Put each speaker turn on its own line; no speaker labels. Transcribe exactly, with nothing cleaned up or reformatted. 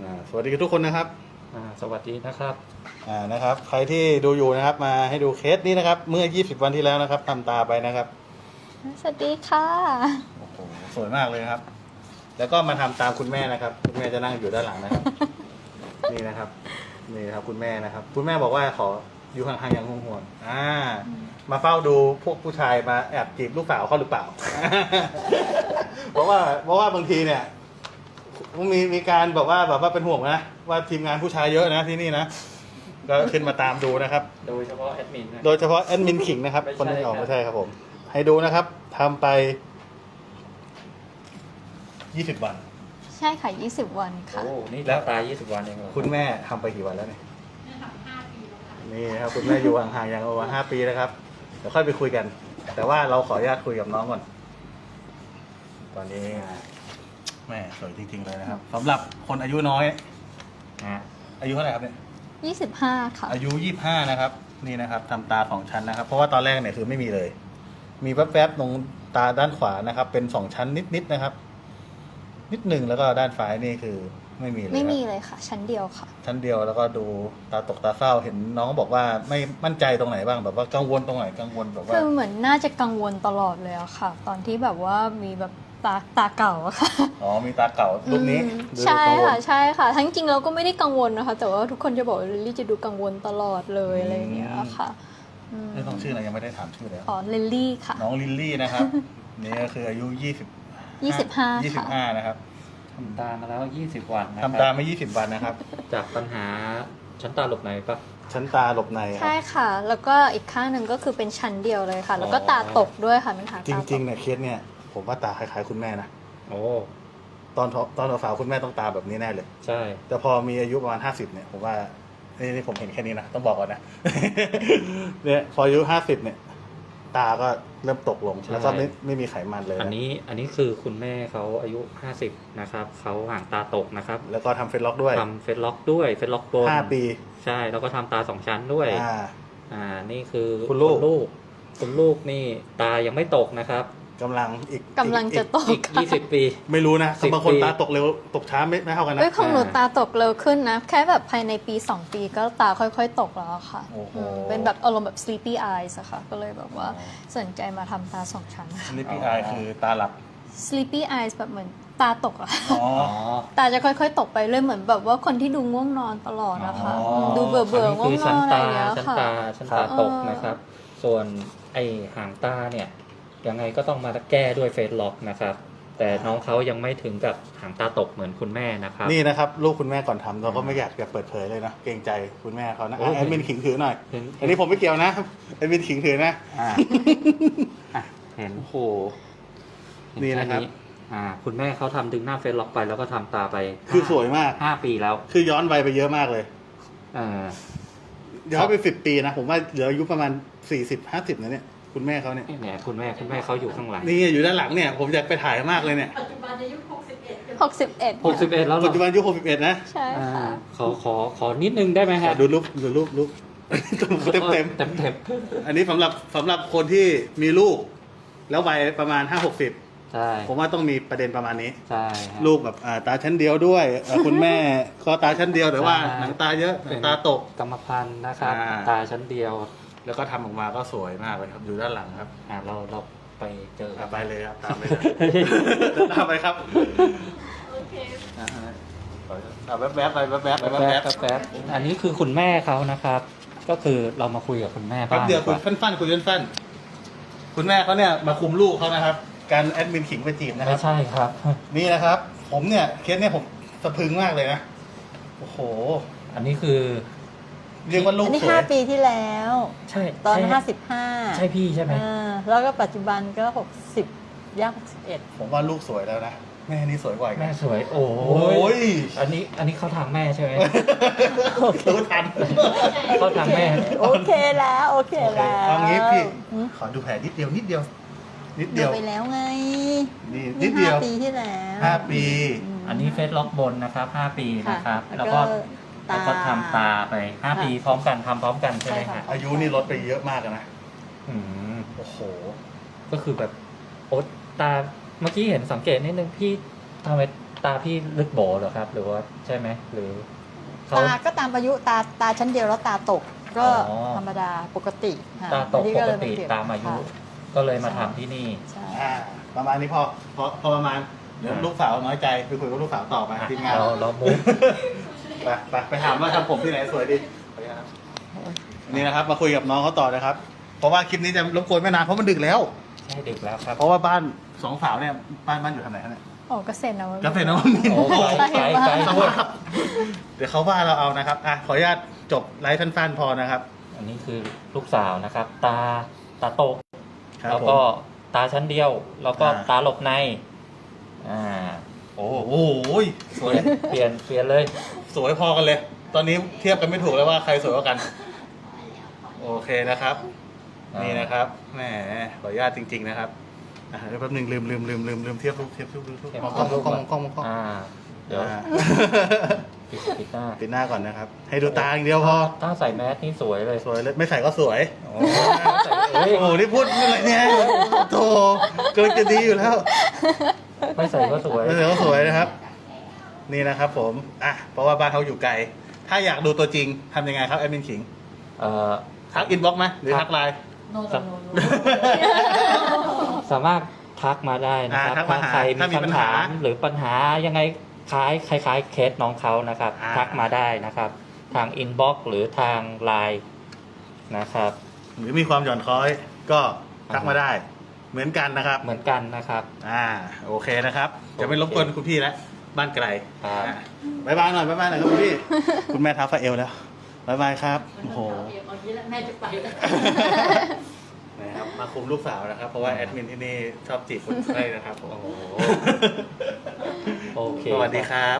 อ่าสวัสดีทุกคนนะครับ
อ่าสวัสดีนะครับ
อ่านะครับใครที่ดูอยู่นะครับมาให้ดูเคสนี้นะครับเมื่อยี่สิบวันที่แล้วนะครับทำตาไปนะครับ
สวัสดีค่ะ
โอ้โหสวยมากเลยนะครับแล้วก็มาทำตามคุณแม่นะครับคุณแม่จะนั่งอยู่ด้านหลังนะครับ นี่นะครับนี่นะครับคุณแม่นะครับคุณแม่บอกว่าขออยู่ห่างๆอย่างห่วงๆอ่ามาเฝ้าดูพวกผู้ชายมาแอบจีบลูกสาวเขาหรือเปล่า เพราะว่าเพราะว่าบางทีเนี่ยมีมีการบอกว่าแบบว่าเป็นห่วงนะว่าทีมงานผู้ชายเยอะนะที่นี่นะก็ขึ้นมาตามดูนะครับ
โดยเฉพาะแอดมินนะ
โดยเฉพาะแอดมินขิงนะครับ
ไม่ใช่
คนที่ออก
ครับ
ไม่ใช่ครับผมให้ดูนะครับทำไปยี่สิบวัน
ใช่ค่ะยี่สิบวันค่ะ
โอ้นี่แล้วตายยี่สิบวันเองเหรอ
คุณแม่ทำไปกี่วันแล้วเนี่ยนี่ครับคุณแม่อยู่ห่างๆอย่างประมาณห้าปีนะครับเดี๋ยวค่อยไปคุยกัน แต่ว่าเราขออนุญาตคุยกับน้องก่อนตอนนี้แม่สวยจริงๆเลยนะครับสำหรับคนอายุน้อย
นะ
อายุเท่าไหร่ครับเนี่ย
ยี่สิบห้าค่ะ
อายุยี่สิบห้านะครับนี่นะครับทำตาของชั้นนะครับ เพราะว่าตอนแรกเนี่ยคือไม่มีเลย มีแป๊บๆตรงตาด้านขวานะครับ เป็นสองชั้นนิดๆนะครับ นิดหนึ่งแล้วก็ด้านซ้ายนี่คือไม่มีเลย
ไม่มี
ครับ
เลยค่ะ ชั้นเดียวค่ะ
ชั้นเดียวแล้วก็ดูตาตกตาเศร้าเห็นน้องบอกว่าไม่มั่นใจตรงไหนบ้างแบบว่ากังวลตรงไหนกังวลแบบว่า
คือเหมือนน่าจะกังวลตลอดเลยอะค่ะ ตอนที่แบบว่ามีแบบตาตาเก่าอะค่ะ
อ๋อมีตาเก่ารูปนี้
อืม
ดู
ใช่
กังวล
ค่ะใช่ค่ะ ทั้งจริงเราก็ไม่ได้กังวลนะคะ แต่ว่าทุกคนจะบอกว่าลิลลี่จะดูกังวลตลอดเลยอะไรอย่างเงี้ยค่ะอืม
นี่ต้องชื่ออะไรยังไม่ได้ถามชื่อเลย
อ๋อลิลลี่ค่ะ
น้องลิลลี่นะครับนี่ก็คืออายุยี่สิบ
ยี่สิบห้า
ยี่สิบ
ค่ะ
ห้านะครับ
ทำตามาแล้วยี่สิบวันนะครับ
ทำตาไม่ยี่สิบวันนะครับ
จากปัญหาชั้นตาหลบในปะ
ชั้นตาหลบในครั
ใช่
บ
ค่ะ แล้วก็อีกข้างหนึ่งก็คือเป็นชั้นเดียวเลยค่ะ แล้วก็
อ๋อ
ตาตกด้วยค่ะเป็นหา
จ
ตาต
ริงๆ
ก
เนี่ยเคสเนี่ยผมว่าตาคล้ายๆคุณแม่นะ
โอ้
ตอนตอนสาวๆคุณแม่ต้องตาแบบนี้แน่เลย
ใช่
แต่พอมีอายุประมาณห้าสิบเนี่ยผมว่านี่นี่ผมเห็นแค่นี้นะต้องบอกก่อนนะ เนี่ยพออายุห้าสิบเนี่ย ตาก็เริ่มตกลงแล้วก็ไม่ไม่มีไขมันเลย
อัน
นะ
นี้อันนี้คือคุณแม่เขาอายุห้าสิบนะครับเขาห่างตาตกนะครับ
แล้วก็ทำเฟซล็อกด้วย
ทำเฟซล็อกด้วยเฟซล็อกบน
ห้าปี
ใช่แล้วก็ทำตาสองชั้นด้วย
อ่า
อ่านี่คือ
คุณลูก
ลูกคุณลูกนี่ตายังไม่ตกนะครับ
กำลังอีก
กำลังจะ
อีก
ต
อี
ก
ก
ค่ะ
ยี่สิบปี
ไม่รู้นะ
สิบบ
างคน
ปี
ตาตกเร็วตกช้าไม่ไม่เท่ากันนะ
เอ้ยของหนู
อ่า
ตาตกเร็วขึ้นนะ แค่แบบภายในปีสองปีก็ตาค่อยๆตกแล้วอะค่ะ
โอ้โห
อืมเป็นแบบอารมณ์แบบ sleepy eyes อะค่ะ ก็เลยแบบว่าสนใจมาทำตาสองชั้น
สลิปปี้อายคือตาหลับ
sleepy eyes แบบเหมือนตาตกอะ
อ๋อ
อ๋อ
ตาจะค่อยๆ ตกไปเรื่อยเหมือนแบบว่าคนที่ดูง่วงนอนตลอดนะคะ
อ๋อ
มดูเบื่อเบื่อๆ
อัน
ง่ว
นี้
ง
คือน
อ
ชั้น
นอะไร
ตา
อย่างเงี้ย
ชั้น
ค่ะ
ตาชั้น
ครั
ตา
บ
ตกนะครับ ส่วนไอหางตาเนี่ยยังไงก็ต้องมาแก้ด้วยเฟซล็อกนะครับ แต่น้องเขายังไม่ถึงกับหางตาตกเหมือนคุณแม่นะครับ
นี่นะครับลูกคุณแม่ก่อนทำเราก็ไม่อยากจะเปิดเผยเลยนะเกรงใจคุณแม่เขานะ
โอ้ย
อ่ะแอดมินขิงถือหน่อย
เห็น
อันนี้ผมไม่เกี่ยวนะแอดมินขิงถือนะ
อ่าอ่ะเห็น
โอ้โห
เห็
นี่นะครับ
แอ่าคุณแม่เขาทำดึงหน้าเฟซล็อกไปแล้วก็ทำตาไป
คือสวยมาก
ห้าปีแล้ว
คือย้อนวัยไปเยอะมากเลย
เออ
ย้อนไปสิบปีนะผมว่าเหลืออายุประมาณสี่สิบห้าสิบนะเนี่ยคุณแม่เขาเนี่ย
เนี่ยคุณแม่คุณแม่เขาอยู่ข้างหลัง
นี่อยู่ด้านหลังเนี่ยผมอยากไปถ่ายมากเลยเนี่ย
ปัจจุบันอายุหกสิบเอ็ด
หกสิบเอ็ด
หกสิบเอ็ดแล้วเหร
ปั
อ
จจุบันอายุหกสิบเอ็ดนะ
ใช่
อ่า
ค่ะ
ขอขอขอนิดนึงได้ไหมฮะ
ดูรูปดูรูปรูป เต็มเต็ม
เต็มเต็ม
ๆอันนี้สำหรับสำหรับคนที่มีลูก แล้ววัยประมาณห้าหกสิบ
ใช่
ผมว่าต้องมีประเด็นประมาณนี้
ใช่ฮะ
ลูกแบบอ่าตาชั้นเดียวด้วยอ่าคุณแม่ก็ตาชั้นเดียวแต่ว่า
ใช่
หนังตาเยอะหนังตาตก
กรรมพันธุ์นะครับ
อ่า
ตาชั้นเดียว
แล้วก็ทำออกมาก็สวยมากเลยครับอยู่ด้านหลังครับ
อ่าเราเราไปเจอ
อ่ะไปเลยครับตามไปตามไปครับ
โอเค
อ่าอ่ะแวบๆไปแวบๆไป
แป๊บ
แว
แป๊
บบ ๆ
แป๊บอันนี้คือคุณแม่เขานะครับ ก็คือเรามาคุยกับคุณแม่
แป๊บ
บ้าง
เดียว
ดี
คุ
ก
ย
ว่า
ฟันๆคุยฟันๆคุณแม่เขาเนี่ยมาคุมลูกเขานะครับ การแอดมินขิงไปจีบนะค
ไม่
รับ
ใช่ครับ
นี่นะครับ ผมเนี่ยเคสเนี่ยผมสะพรึงมากเลยนะโอ้โห
อันนี้คือ
เรียกว่าลูก
อันนี้
สว
ห้าย ปีที่แล้ว
ใช่
ตอน
ใช่
ห้าสิบห้า
ใช่พี่ใช่ไหม
แล้วก็ปัจจุบันก็หกสิบย่างหกสิบเอ็ด
ผมว่าลูกสวยแล้วนะแม่นี่สวยกว่าอีก
แม่
นะ
สวย โอ้
โอ้ย
อันนี้อันนี้เขาทางแม่ใช่ไหม
รู้ทัน
เขาทางแม่
โอเคแล้วโอเค
โอเค
แล้ว
เอางี้พี่
อืม
ขอดูแผลนิดเดียวนิดเดียว นิดเดี
ดู
ยว
ไปแล้วไง
นี่นิดเดียว
ห้าปีที่แล้ว
ห้าปี
ม
อันนี้เฟซล็อกบนนะครับห้าปีนะครับ
ค่ะ
แล้วก็
ตา
แล้วก็ทำตาไปห้าปีพร้อมกันทำพร้อมกันใช่ไหม
ใช่
ฮะ
ค่ะ
อายุนี่ลดไปเยอะมากอะนะ
อืม
โอ้โห
ก็คือแบบโอ๊ตตาเมื่อกี้เห็นสังเกตนิดนึงพี่ทำไมตาพี่ลึกโบเหรอครับ หรือว่าใช่ไหมหรือเขา
ตาก็ตามอายุตาตาชั้นเดียวแล้วตาตกก็
อ๋อ
ธรรมดาปกติค่ะ
ตาตก
อันนี้
ปก
เลย
ติ
เปลี่ยน
ตามอายุ
ค่ะ
ก็เลยมาทำที่นี่
ใช่
อ่าประมาณนี้พอพอพอประมาณเดี๋ยวลูกสาวน้อยใจไปคุยกับลูกสาวต่อไป
อ่ะ
ทีมงาน
เราเรามุก
ไปไปไปถามว่าทำผมที่ไหนสวยดีขออนุญาตครับนี่นะครับมาคุยกับน้องเขาต่อนะครับ เพราะว่าคลิปนี้จะรบกวนไม่นานเพราะมันดึกแล้ว
ใช่ดึกแล้วครับ
เพราะว่าบ้านสองสาวเนี่ยบ้านบ้านอยู่ทางไหนฮะเนี่ย
โอ้เกษตรนะ
กาแฟน้ำมิน
โอ้ไกลไกลไกล
ส
ด้วย
ภาพเดี๋ยวเขาว่าเราเอานะครับอ่ะขออนุญาตจบไลฟ์สั้นๆพอนะครับ
อันนี้คือลูกสาวนะครับ ตาตาตก
ครับ
แล้ว
ผม
ก็ตาชั้นเดียว แล้วก็
อ่า
ตาหลบในอ่าโอ้
โอ้โหสวย
เปลี่ยนเปลี่ยนเลย
สวยพอกันเลย ตอนนี้เทียบกันไม่ถูกเลยว่าใครสวยกว่ากัน โอเคนะครับ
อ่านี่
นี่นะครับแหมขออนุญาตจริง ๆ นะครับอ่ะเดี๋ยวแป๊บหนึงลืมลืมลืมลืมลืมเทียบรูปเทียบรูปรูปรูป
เทียบ
มองกล้องม
รู
อง
ป
กล้องมองกล้องมองกล้อง
อ่า เดี๋ยว
อ่า
ปิดปิดหน้า
ปิดหน้าก่อนนะครับ ให้ดูตาอย่างเดียวพอ
ถ้าใส่แมสนี่สวยเลย
สวยเลยไม่ใส่ก็สวย
โอ้
โอ้โหนี่พูดอะไรเนี่ยโธ่กำลังจะดีอยู่แล้ว
ไม่ใส่ก็สวย
ไม่ใส่ก็สวยนะครับ นี่นะครับ ผมอ่ะเพราะว่าบ้านเขาอยู่ไกล ถ้าอยากดูตัวจริงทำยังไงครับแอดมินขิง
เอ่อ
ทักอินบ็อกซ์ไหมหรือทักไลน์
โนโนโนโน
สามารถทักมาได้นะครับ
อ่าทักมา
ถ้า
หา
ใคร
ถ้ามี
มี
ปัญ
คำ
หา
ถามหรือปัญหายังไงคล้ายคล้ายๆเคสน้องเขานะครับ
อ่า
ทักมาได้นะครับ ทางอินบ็อกซ์หรือทางไลน์นะครับ
หรือมีความหย่อนคล้อยก็ทักมาได้ เหมือนกันนะครับ
เหมือนกันนะครับ
อ่าโอเคนะครับจะไม่รบกวนคุณพี่แล้วบ้านไกล
ครับ
อ่ะบ๊ายบายหน่อยบ๊ายบายหน่อยครับคุณพี่ คุณแม่ท้าฟาเอลแล้วบ๊ายบายครับโอ้โห
เอาอย่างนี้แล้วแม่จะไปแล้ว
นะครับมาคุมลูกสาวนะครับ เพราะว่าแอดมินที่นี่ชอบจีบคนไข้นะครับผม
โอ้โหโอเค
สวัสดีครับ